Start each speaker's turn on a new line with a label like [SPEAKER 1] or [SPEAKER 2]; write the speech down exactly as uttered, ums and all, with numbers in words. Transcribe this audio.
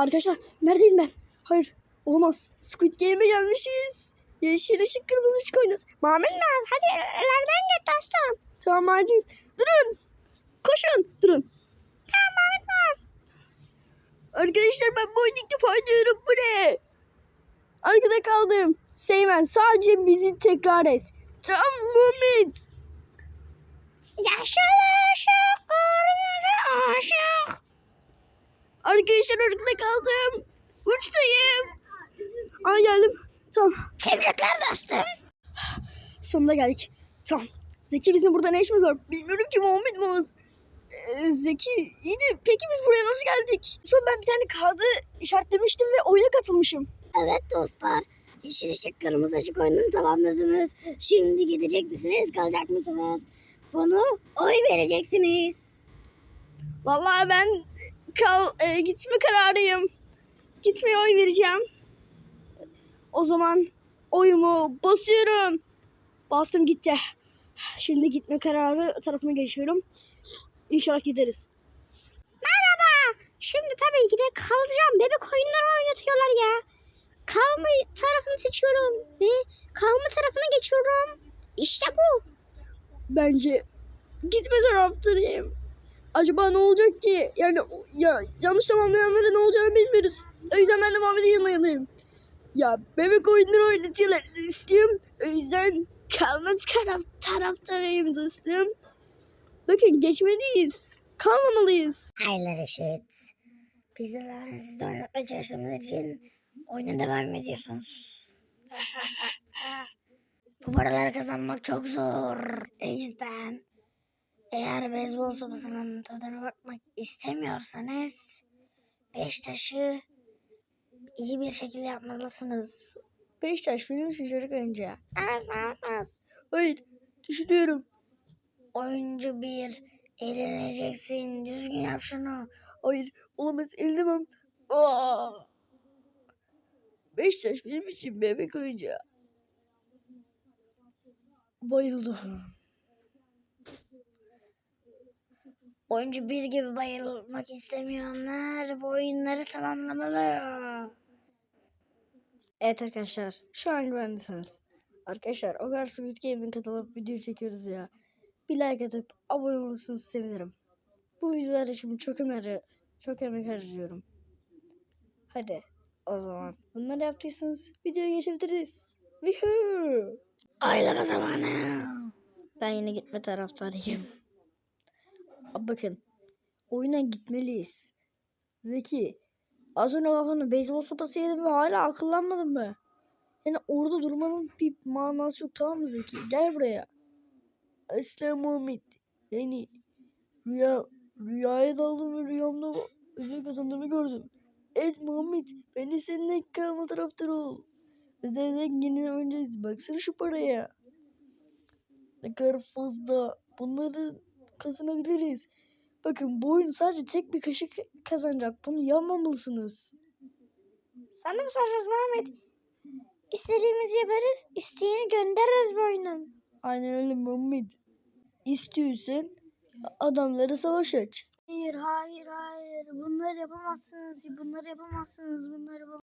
[SPEAKER 1] Arkadaşlar neredeyim ben? Hayır olamaz. Squid Game'e gelmişiz. Yeşil ışık kırmızı ışık oynuyoruz. Muhammed Naz hadi evlerden git dostum. Tamam Aciz. Durun. Koşun. Durun. Tamam Muhammed Naz. Arkadaşlar ben bu oyunu ilk defa oynuyorum. Bu ne? Arkada kaldım. Seymen sadece bizi tekrar et. Tamam Muhammed. Yaşıl ışık kırmızı ışık. Arkadaşlar arkada kaldım. Uçtayım. Aa geldim. Tamam. Tebrikler dostum. Sonunda geldik. Tamam. Zeki bizim burada ne işimiz var? Bilmiyorum ki Muhammed Maz. Ee, Zeki iyi de peki biz buraya nasıl geldik? Sonra ben bir tane kağıdı işaretlemiştim ve oyuna katılmışım.
[SPEAKER 2] Evet dostlar. Yeşil ışık kırmızı ışık oyununu tamamladınız. Şimdi gidecek misiniz kalacak mısınız? Bunu oy vereceksiniz.
[SPEAKER 1] Vallahi ben kal e, gitme kararıyım. Gitmeye oy vereceğim. O zaman oyumu basıyorum. Bastım gitti. Şimdi gitme kararı tarafına geçiyorum. İnşallah gideriz.
[SPEAKER 2] Merhaba. Şimdi tabii ki de kalacağım. Bebek oyunları oynatıyorlar ya. Kalma tarafını seçiyorum ve kalma tarafına geçiyorum. İşte bu.
[SPEAKER 1] Bence gitme taraftarıyım. Acaba ne olacak ki? Yani ya yanlış tamamlayanlara ne olacağını bilmiyoruz. O yüzden ben de Muhammed'in yanına yanayım. Ya bebek oyunları oynatıyorlar dostum. O yüzden kalma taraf, taraftarıyım dostum. Bakın geçmeliyiz. Kalmamalıyız.
[SPEAKER 2] Hayırlar eşit. Biz de zaten sizle oynatmaya çalıştığımız için oyuna devam ediyorsunuz. Bu paraları kazanmak çok zor. O yüzden eğer beyzbol sopasının tadına bakmak istemiyorsanız beş taşı iyi bir şekilde yapmalısınız.
[SPEAKER 1] Beşiktaş film için çocuk oyuncağı.
[SPEAKER 2] Evet, evet, evet.
[SPEAKER 1] Hayır düşünüyorum.
[SPEAKER 2] Oyuncu bir, eğleneceksin. Düzgün yap şunu.
[SPEAKER 1] Hayır olamaz elimem. Aa! Beşiktaş benim için bebek oyuncağı. Bayıldım.
[SPEAKER 2] Oyuncu bir gibi bayılmak istemeyenler bu oyunları tamamlamalı.
[SPEAKER 1] Evet arkadaşlar şu an güvendesiniz. Arkadaşlar o kadar Squid Game'in katılıp video çekiyoruz ya. Bir like atıp abone olursanız sevinirim. Bu videolar için çok emek, çok emek harcıyorum. Hadi o zaman bunları yaptıysanız videoya geçebiliriz. Woohoo!
[SPEAKER 2] Oylama zamanı.
[SPEAKER 1] Ben yine gitme taraftarıyım. Abi bakın oyuna gitmeliyiz. Zeki az önce kafana beyzbol sopası yedim ve hala akıllanmadın mı? Yani orada durmanın bir manası yok tamam mı Zeki? Gel buraya. Aslan Muhammed. Yani rüya, rüyaya daldım ve rüyamda ödül kazandığımı gördüm. Evet Muhammed ben de seninle kalma taraftarı ol. Ve zaten yine önceyiz. Baksana şu paraya. Ne kadar fazla. Bunları kazanabiliriz. Bakın bu oyun sadece tek bir kaşık kazanacak. Bunu yapmamalısınız.
[SPEAKER 2] Sen de mi soracağız Muhammed? İstediğimizi yaparız, isteyeni göndeririz bu oyunun.
[SPEAKER 1] Aynen öyle Muhammed. İstiyorsan adamları savaş aç.
[SPEAKER 2] Hayır, hayır, hayır. Bunları yapamazsınız, bunları yapamazsınız, bunları yapamazsınız.